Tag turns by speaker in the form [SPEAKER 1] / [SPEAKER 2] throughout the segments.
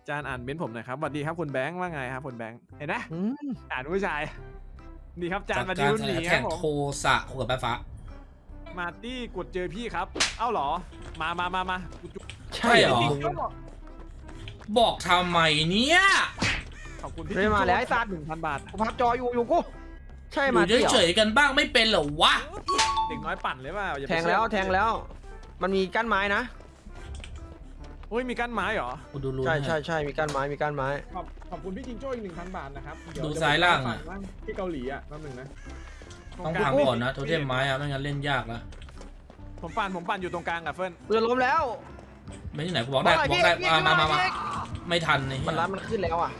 [SPEAKER 1] จานอ่านเม้นผมหน่อยครับสวัสดีครับคุณแบงค์ว่าไงครับคุณแบงค์เห็นไหมอ่านผู้ชายดีครับจานมาดิวหนีครับผม
[SPEAKER 2] โทสะหัวแป๊บฟ้า
[SPEAKER 1] มาตี้กดเจอพี่ครับเอ้าเหรอมา
[SPEAKER 2] ใช่เหรอบอกทำไมเนี่ย
[SPEAKER 1] ขอบคุณพี่
[SPEAKER 3] เลยมาแล้วไอ้สัตว์
[SPEAKER 1] 1,000 บาท
[SPEAKER 3] กูพับจออยู่กูใช่
[SPEAKER 2] อ
[SPEAKER 3] มา
[SPEAKER 2] ยู่เฉยๆกันบ้างไม่เป็นเหรอวะ
[SPEAKER 1] เด็กน้อยปั่นเลยเปล่าอย่าไป
[SPEAKER 3] แทงแล้วแทงแล้ว มันมีกั้นไม้นะ
[SPEAKER 1] โอ้ยมีกั้นไม้เหรอ
[SPEAKER 2] กูดูรู้
[SPEAKER 3] ใช่มีกั้นไม้มีกั้นไม้
[SPEAKER 1] ขอบคุณพี่จิงโจ้อีก 1,000 บาทนะครับเดี๋ยว
[SPEAKER 2] ดูซ้ายล่างอ่ะ
[SPEAKER 1] ที่เกาหลีอ่ะแป๊บนึงนะ
[SPEAKER 2] ต้องพังก่อนนะโทเทมไม้อะไม่งั้นเล่นยากแล้ว
[SPEAKER 1] ผมปั่นอยู่ตรงกลางกับเฟิร์น
[SPEAKER 3] กูจะล้มแล้ว
[SPEAKER 2] ไม่ที่ไหนกูบอกได้มาไม่ทันเลย
[SPEAKER 3] มันรัดมันขึ้นแล้วอ่ะ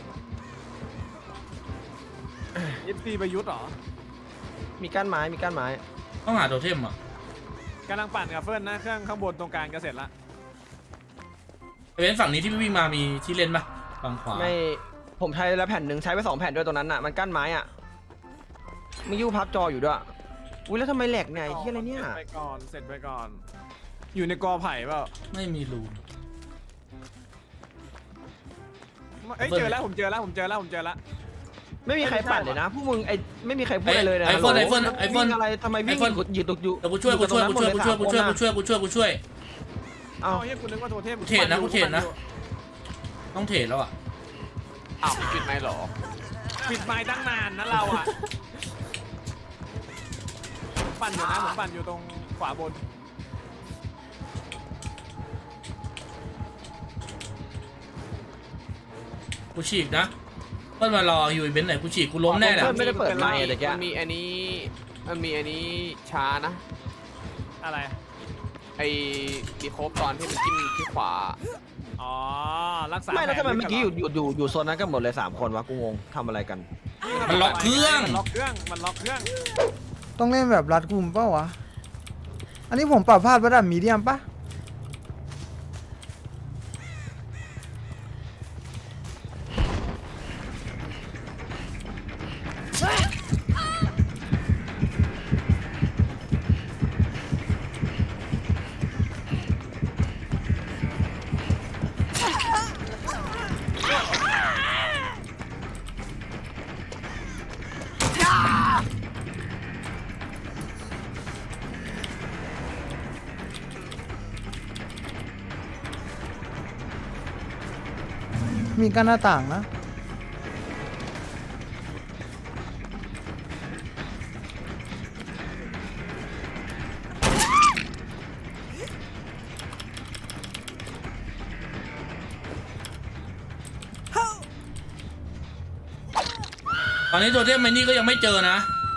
[SPEAKER 1] ยิปซีประยุทธ์เหรอ
[SPEAKER 3] มีกั้นไม้มีกั้นไม้
[SPEAKER 2] ต้องหาโทเทมอ่ะ
[SPEAKER 1] กำลังปั่นกับเฟิร์นนะเครื่องข้างบนตรงกลางจะเสร็จละ
[SPEAKER 2] เว้นฝั่งนี้ที่วิ่งมามีที่เล่นปะฝั่งขวา
[SPEAKER 3] ไม่ผมใช้แล้วแผ่นหนึ่งใช้ไป2 แผ่นด้วยตรงนั้นอ่ะมันกั้นไม้อ่ะมึงยูพับจออยู่ด้วยอุ้ยแล้วทำไมแหลกเนี่ยไอ้เหี้ยอะไรเนี่ย
[SPEAKER 1] เสร็จไปก่อนอยู่ในกอไผ่เปล่า
[SPEAKER 2] ไม่มีรู
[SPEAKER 1] เอ้ยเจอแล้วผมเจอแล้ว
[SPEAKER 3] ไม่มีใครปั่นเลยนะพวกมึงไอ้ไม่มีใครพูดอะไรเลยนะ
[SPEAKER 2] ไอโฟน
[SPEAKER 3] อะไรทำไมวิ่งยืนตกอยู่
[SPEAKER 2] เดี๋ยวกูช่วย
[SPEAKER 3] เอ้า
[SPEAKER 1] เฮ้ยคุณนึกว่าโทเทม
[SPEAKER 2] กูเทรดนะต้องเทรดแล้วอ่ะ
[SPEAKER 4] อ้าวปิดไหมหรอ
[SPEAKER 1] ปิดไม้ตั้งนานนะเราอ่ะปั่นอยู่นะผมปั่นอยู่ตรงขวาบน
[SPEAKER 2] กูฉีกนะเพื่อนมารออยู่อีเวนต์ไหนกูฉีกกูล้มแน่แหละ
[SPEAKER 3] ไม่ได้เปิดไมค์แต่แก
[SPEAKER 4] มันมีอันนี้ช้านะ
[SPEAKER 1] อะไร
[SPEAKER 4] ไอ้ดีโคบตอนที่มันจิ้มที่ขวา
[SPEAKER 1] อ๋อรักษา
[SPEAKER 3] ไม่แล้วทำไมเมื่อกี้อยู่โซนนั้นกันหมดเลย3 คนวะกูงงทำอะไรกัน
[SPEAKER 2] มันล็อกเครื่อง
[SPEAKER 1] มันล็อกเครื่อง
[SPEAKER 5] ต้องเล่นแบบรัดกุมเปล่าวะ อันนี้ผมปรับพลาดระดับมีเดียมปะมีกันหน้าต่างนะ
[SPEAKER 2] ตอนนี้โทเทมไมนี่ก็ยังไม่เจอนะ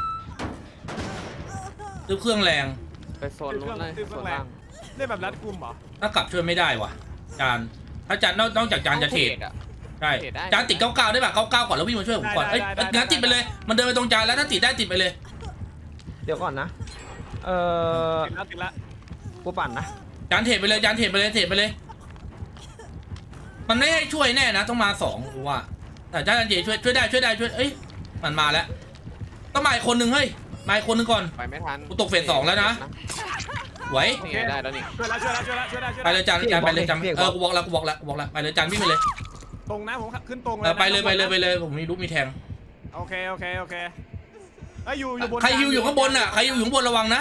[SPEAKER 2] ซื้อเครื่องแรง
[SPEAKER 4] ไปโซนนู้นเลยโซนล่าง
[SPEAKER 1] ได้แบบรัดกุมเหรอ
[SPEAKER 2] ถ้ากลับช่วยไม่ได้ว่ะจานถ้าจานนอกจากจานจะเทรด
[SPEAKER 4] อ่ะ
[SPEAKER 2] ใช่จานติด99ได้ป่ะ99ก่อนแล้ววิ่งมาช่วยผมก่อนเอ้ยงั้นติดไปเลยมันเดินไปตรงจานแล้วถ้าติดได้ติดไปเลย
[SPEAKER 3] เดี๋ยวก่อนนะ
[SPEAKER 1] ติดละ
[SPEAKER 3] กูปั่นนะ
[SPEAKER 2] จานเทรดไปเลยมันไม่ให้ช่วยแน่นะต้องมา2กูว่าแต่จานเจช่วยได้เอ้ยมันมาแล้วต้องมาอีกคนนึงเฮ้ยมาอีกคนนึงก่อน
[SPEAKER 4] ไปไม่ทัน
[SPEAKER 2] กูตกเฟส2แล้วนะไหว
[SPEAKER 4] นี่ได้แล้วนี่
[SPEAKER 1] ช่วยแล้ว
[SPEAKER 2] ไปเลยจานไปเลยจานกูบอกแล้วไปเลยจานวิ่งไปเลย
[SPEAKER 1] ตรงนะผมขึ้นตรงเลย
[SPEAKER 2] ไปเลยผมมีลูกมีแทง
[SPEAKER 1] โอเคไอ้อยู่บน
[SPEAKER 2] ใครฮิวอยู่ข้างบนอ่ะใครฮิวอยู่ข้างบนระวังนะ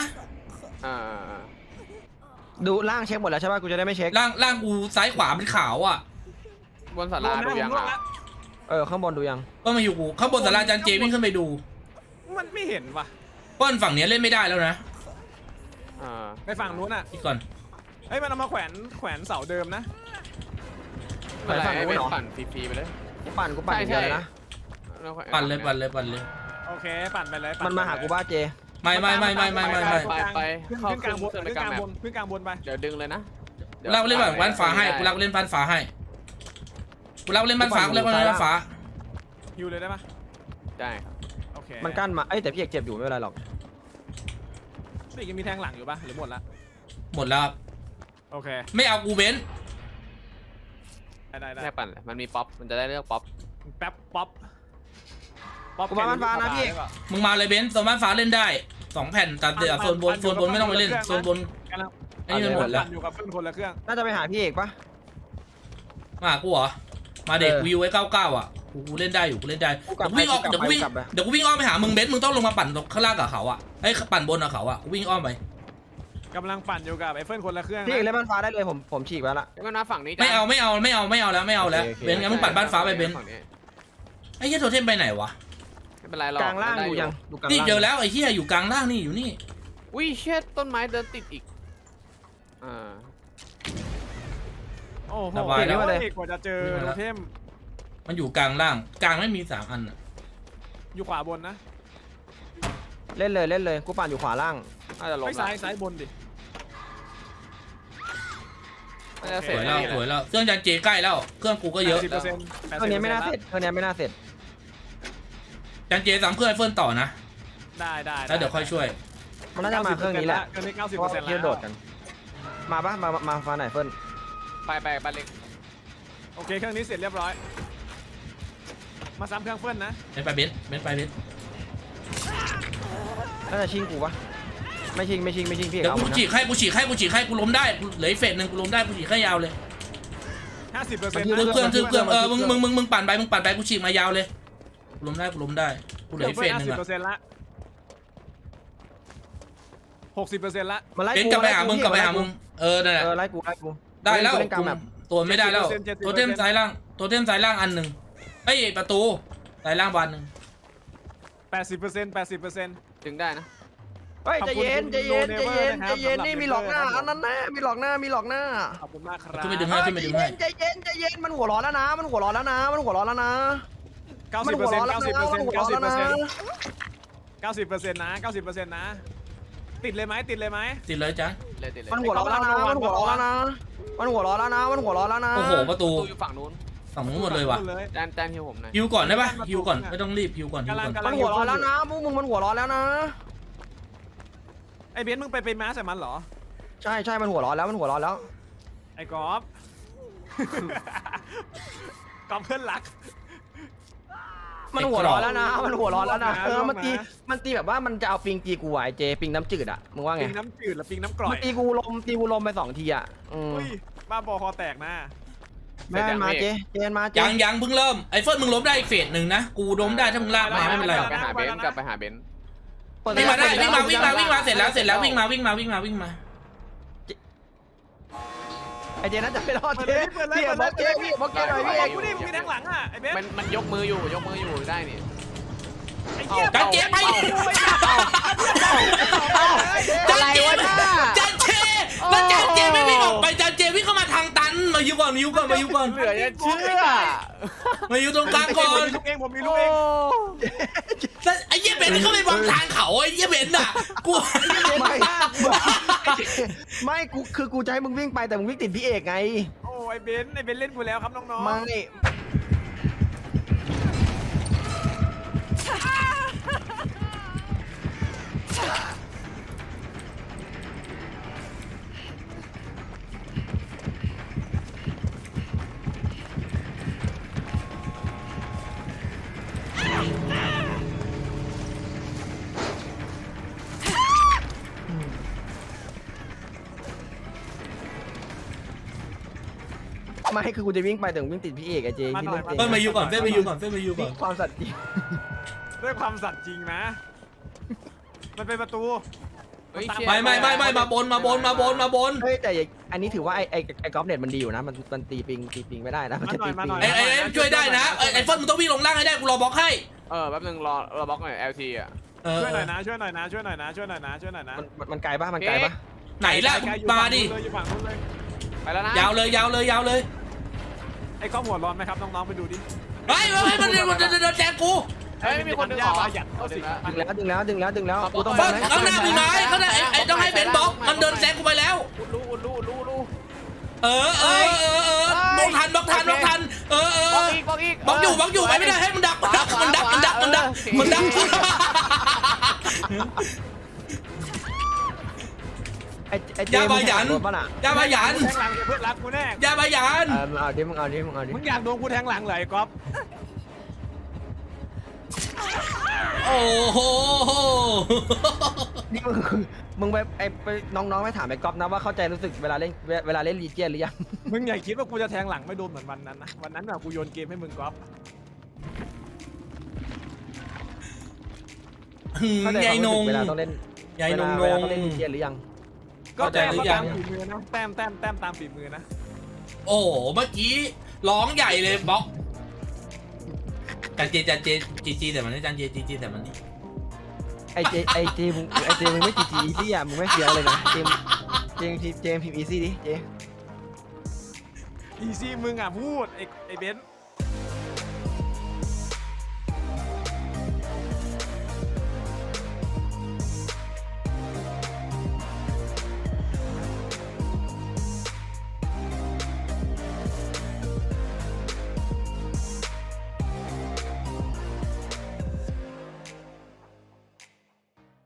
[SPEAKER 3] ดูล่างเช็คหมดแล้วใช่ป่ะกูจะได้ไม่เช็ค
[SPEAKER 2] ล่างกูซ้ายขวาเป็นขาวอ่ะ
[SPEAKER 4] บนศาลาดูยังอ่ะ
[SPEAKER 3] ข้างบนดูยัง
[SPEAKER 2] ก็มาอยู่กูข้างบนศาลาจานเจวิ่งขึ้นไปดู
[SPEAKER 1] มันไม่เห็นว่ะ
[SPEAKER 2] ป้อนฝั่งนี้เล่นไม่ได้แล้วนะ
[SPEAKER 1] ไปฝั่งนู้นอ่ะ
[SPEAKER 2] อีกก่อน
[SPEAKER 1] เฮ้ยมันเอามาแขวนเสาเดิมนะ
[SPEAKER 4] อะไรไม่ปั่นฟรีๆไปเลย
[SPEAKER 3] กูปั่นอย่างเดียวเลยนะ
[SPEAKER 2] ปั่นเลย
[SPEAKER 1] โอเคปั่นไปเลย
[SPEAKER 3] มันมาหากูบ้าเจ
[SPEAKER 2] ไม่
[SPEAKER 4] ไป
[SPEAKER 1] เข้ากลางบนขึ้นกลางบนไป
[SPEAKER 4] เดี๋ยวดึงเลยนะ
[SPEAKER 2] เราเล่นแบบบ้านฟ้าให้กูเล่นบ้านฟ้าให้กูเล่นบ้านฟ้า
[SPEAKER 1] อยู่เลยได้ปะ
[SPEAKER 4] ได้ครับ
[SPEAKER 1] โอเค
[SPEAKER 3] มันกั้นมาแต่พี่เอกเจ็บอยู่ไม่เป็นไรหรอก
[SPEAKER 1] พี่ยังมีแทงหลังอยู่ปะหรือหมดละ
[SPEAKER 2] หมดแล้ว
[SPEAKER 1] โอเค
[SPEAKER 2] ไม่เอากูเบน
[SPEAKER 1] ได้
[SPEAKER 4] แค่ปั่นเลยมันมีป๊อปมันจะได้เลือกป๊อป
[SPEAKER 1] แป๊บป๊อป
[SPEAKER 3] กูมาบ้านฟ้านะพี่
[SPEAKER 2] มึงมาเลยเบนโซนบ้านฟ้าเล่นได้2 แผ่นแต่เดี๋ยวโซนบนไม่ต้องไปเล่นโซนบนไอ้นี่มันหมดแล้ว
[SPEAKER 1] อยู่กับเพื่อนคนละเครื่อง
[SPEAKER 3] น่าจะไปหาพี่เอกปะ
[SPEAKER 2] มากูเหรอมาเด็กวิวไว้99อ่ะกูเล่นได้อยู่กูเล่นได้เดี๋ยวกูวิ่งอ้อมเดี๋ยวกูวิ่งอ้อมไปหามึงเบนซ์มึงต้องลงมาปั่นข้างล่างกับเขาอ่ะไอ้ปั่นบนกับเขาอ่ะกูวิ่งอ้อมไป
[SPEAKER 1] กำลังปั่นอยู่กับไอ้เฟิร์นคนละเครื่อง
[SPEAKER 3] พี่เอก
[SPEAKER 1] นะ
[SPEAKER 3] เล่นบ้านฟ้าได้เลยผมฉีกไว้ละ
[SPEAKER 4] งั้นนะฝั่งนี้
[SPEAKER 2] ไม่เอาแล้วเบนซ์งั้นมึงปั่นบ้านฟ้าไปเบนซ์
[SPEAKER 4] ฝั่งนี้
[SPEAKER 2] ไอ้เหี้ยโทเทมไปไหนวะ
[SPEAKER 4] ไม่เป็นไรหรอก
[SPEAKER 3] กลางล่าง
[SPEAKER 4] ได้
[SPEAKER 3] ดูยังดูกลาง
[SPEAKER 2] นี่
[SPEAKER 3] ล่าง
[SPEAKER 2] เจอแล้วไอ้เหี้ยอยู่กลางล่างนี่อยู่นี่
[SPEAKER 4] อุ้ยเช็ดต้นไม้เดินติดอีกา
[SPEAKER 1] โอ้โห
[SPEAKER 2] สบายแล้ว
[SPEAKER 1] เอกกว่าจะเจอโทเทม
[SPEAKER 2] มันอยู่กลางล่างกลางไม่มี3อันอ่ะ
[SPEAKER 1] อยู่ขวาบนนะ
[SPEAKER 3] เล่นเลยกูปั่นอยู่ขวาล่าง
[SPEAKER 4] น่าจะล้ม
[SPEAKER 1] ไม่
[SPEAKER 4] ละ
[SPEAKER 1] ซ้ายบนดิ
[SPEAKER 4] น่าจะเส
[SPEAKER 2] ส
[SPEAKER 4] ร็จ
[SPEAKER 2] วยแล้วสวยแล้วเครื่องจันเจใกล้แล้วเครื่องกูก็เยอะ
[SPEAKER 1] 80%
[SPEAKER 3] เครื่องนี้ไม่น่าเสร็จเครื่องนี้ไม่น่าเสร็จ
[SPEAKER 2] จันเจ3เครื่องไอเฟิร์นต่อนะ
[SPEAKER 1] ได้
[SPEAKER 2] แล้วเดี๋ยวค่อยช่วย
[SPEAKER 3] มันน่าจะมาเครื่องนี้แหละ
[SPEAKER 1] เครื่องนี้
[SPEAKER 3] เพราะ
[SPEAKER 1] 90%
[SPEAKER 3] เที่ยวโดดกัน มาปะมาฟ้าไหนเฟิร์น
[SPEAKER 4] ไปบ้านเล็ก
[SPEAKER 1] โอเคเครื่องนี้เสร็จเรียบร้อยมาซ้ำเครื่องเฟิร์นนะ
[SPEAKER 2] เบนไปเบน
[SPEAKER 3] น่าจะชิงกูปะไม่ชิงพี่เอก
[SPEAKER 2] เดี๋ยว
[SPEAKER 3] เอาหม
[SPEAKER 2] กู
[SPEAKER 3] ดนะ
[SPEAKER 2] ฉีกให้กูล้มได้เหลือเฟสหนึ่งกูล้มได้กูฉีกให้ยาวเลย
[SPEAKER 1] 50%
[SPEAKER 2] ทึบเครื่องมึงปั่นไปกูฉีกมายาวเลยกูล้มได้กูเหลือเฟสหนึ่งอะ
[SPEAKER 1] 50%ละ60%ละ
[SPEAKER 3] มาไล่
[SPEAKER 2] เบน
[SPEAKER 3] กู
[SPEAKER 2] กลับไปหามึงนั่นแหละ
[SPEAKER 3] ไล่กู
[SPEAKER 2] ได้แล้ว
[SPEAKER 3] เล่นกลางแบบ
[SPEAKER 2] ตัวไม่ได้แล้วตัวเทมซ้ายล่างอันหนึ่งเอ้ยประตูซ้ายล่างบานหนึ่ง
[SPEAKER 1] 80%
[SPEAKER 4] ดึงได้นะ
[SPEAKER 3] เฮ้ยใจเย็นนี่มีหลอกหน้าอันนั้นแน่มีหลอกหน้า
[SPEAKER 1] ขอบคุณมากครับ
[SPEAKER 2] ขึ้นไปดึงให้
[SPEAKER 3] ใจเย็นมันหัวร้อนแล้วนะมันหัวร้อนแล้วนะ
[SPEAKER 1] 90% 90%นะติดเลยไหม
[SPEAKER 2] ติดเลยจ้ะ
[SPEAKER 4] เลย
[SPEAKER 3] มันหัวร้อนแล้วนะมันหัวร้อนแล้วนะ
[SPEAKER 2] โอ้โหประตู
[SPEAKER 4] อยู่ฝั่งนู้น
[SPEAKER 2] ฝั่งนู้นหมดเลยว่ะ
[SPEAKER 4] จานฮิวผมหน่อย
[SPEAKER 2] ฮิวก่อนได้ปะฮิวก่อนไม่ต้องรีบฮิวก่อน
[SPEAKER 3] มันหัวร้อนแล้วนะพวกมึงมันหัวร้อนแล้วนะ
[SPEAKER 1] ไอ้เบนซ์มึงไปม้าใส่มันเหรอ
[SPEAKER 3] ใช่มันหัวร้อนแล้ว
[SPEAKER 1] ไอ้กอล์ฟ กอล์ฟเพื่อนรัก
[SPEAKER 3] มันหัวร้อนแล้วนะมันตีแบบว่ามันจะเอาปิงตีกูไอเจปิงน้ำจืดอ่ะมึงว่าไง
[SPEAKER 1] ปิงน้ำจืดหรือปิงน้ำกร่อ
[SPEAKER 3] มัน
[SPEAKER 1] ย
[SPEAKER 3] ตีกูลมไป2 ทีอ่ะ
[SPEAKER 1] อุ้ยบ้าบอคอแตกนะ
[SPEAKER 3] แม่มาเจมาเจ
[SPEAKER 2] ยังเพิ่งเริ่มไอ้เฟิร์นมึงล้มได้อีกเฟสหนึ่งนะกูล้มได้ถ้ามึงลากมาไม่เป็นไร
[SPEAKER 4] กลับไปหาเบนซ์
[SPEAKER 2] วิ่งมาได้วิ่งมาเสร็จแล้ววิ่งมา
[SPEAKER 3] ไอเจน่าจะไม่รอดเจพี่บอกเจหน่อยพี่เอก
[SPEAKER 1] กูนี่มึงมีแทงหลังอ่ะไอ้เบนซ์
[SPEAKER 4] มันยกมืออยู่ได้นี่
[SPEAKER 1] ไอ้เหี้ย
[SPEAKER 2] จันเจไป
[SPEAKER 3] อะไรวะน่า
[SPEAKER 2] จันเจแล้วจันเจไม่วิ่งออกไปจันเจวิ่งเข้ามาทางตันมาอยู่ก่อน
[SPEAKER 4] เหลือจะเชื่อ
[SPEAKER 2] มาอยู่ตรงกลางก่อน
[SPEAKER 1] ผมมีลูกเอง
[SPEAKER 2] ไอ้เหี้ยเบนเข้าไปบล็อกทางเขาไอ้เหี้ยเบนอ่ะกู
[SPEAKER 3] ไม่กูจะให้มึงวิ่งไปแต่มึงวิ่งติดพี่เอกไง
[SPEAKER 1] โอ้ไอ้เบนซ์เล่นกูแล้วครับน้องๆ
[SPEAKER 3] ไม่คือกูจะวิ่งไปแต่มึงวิ่งติดพี่เอกไอเจพี่เล่น
[SPEAKER 2] เฟิร์นมาอยู่ก่อน
[SPEAKER 3] ความสัตย์จริง
[SPEAKER 1] ด้วยความสัตย์จริงนะ มันเป็นประตู
[SPEAKER 2] ไม่มาบน
[SPEAKER 3] เฮ้ยแต่อันนี้ถือว่าไอ้กอล์ฟเน็ตมันดีอยู่นะมันตีปิงไม่ได้นะมันจะตีปิง
[SPEAKER 2] ไอ้ช่วยได้นะไอ้เฟิร์นมึงต้องวิ่งลงล่างให้ได้กูรอบล็อกให้
[SPEAKER 4] แป๊บนึงรอบล็อกหน่อย LT อ่ะ
[SPEAKER 1] ช่วยหน่อยนะ
[SPEAKER 3] มันไกลปะ
[SPEAKER 2] ไหนล่ะมาดิ
[SPEAKER 1] อยู่ฝั่งนู้นเลย
[SPEAKER 4] ไปแล้วนะ
[SPEAKER 2] ยาวเลย
[SPEAKER 1] ไอ้ก้อมหัวร้อนไหมครับน้องๆไปดูดิ
[SPEAKER 2] มันเดินแจกกู
[SPEAKER 4] ไม่มีคนดึงออก
[SPEAKER 1] หยัดเอาสิ
[SPEAKER 3] ดึงแล้วกูต้อง
[SPEAKER 2] ข้างหน้ามีไม้ข้างหน้าไอ้ต้องให้เบนบล็อกมันเดินแซงกูไปแล้ว
[SPEAKER 4] รู้
[SPEAKER 2] บล็อกทันบล็อกอยู่ไปไม่ได้ให้มันดักยาบายัน
[SPEAKER 1] แทงหลังเพื่อนรักกูแน่
[SPEAKER 2] ยาบายัน
[SPEAKER 3] มึงเอาดิ
[SPEAKER 1] มึงอยากโดนกูแทงหลังเลยก๊อฟ
[SPEAKER 2] โอ้โห
[SPEAKER 3] นี่มึงไปน้องๆไปถามไอ้ก๊อฟนะว่าเข้าใจรู้สึกเวลาเล่นลีเจียนหรือยัง
[SPEAKER 1] มึงอย่าคิดว่ากูจะแทงหลังไม่โดนเหมือนวันนั้นนะวันนั้นแบบกูโยนเกมให้มึงก๊อฟ
[SPEAKER 3] เข้าใจ
[SPEAKER 2] ยายนง
[SPEAKER 3] เวลาต้องเล่น
[SPEAKER 2] ยายนง
[SPEAKER 3] เวลาต้องเล่นดีเจหรือยัง
[SPEAKER 1] ก็แต้ม
[SPEAKER 2] เข้าใจหรือยัง
[SPEAKER 1] ตามฝีมือนะแต้มตามฝีมือนะ
[SPEAKER 2] โอ้โหเมื่อกี้ร้องใหญ่เลยบล็อกจันเจจีแต่มันนี่จันเจจีแต่มันนี่
[SPEAKER 3] ไอเจมึงไม่จีอีซี่อ่ะมึงไม่เสียเลยนะเจมพิมพ์อีซี่ดิเจ
[SPEAKER 1] อีซี่มึงอ่ะพูดไอ้เบนซ์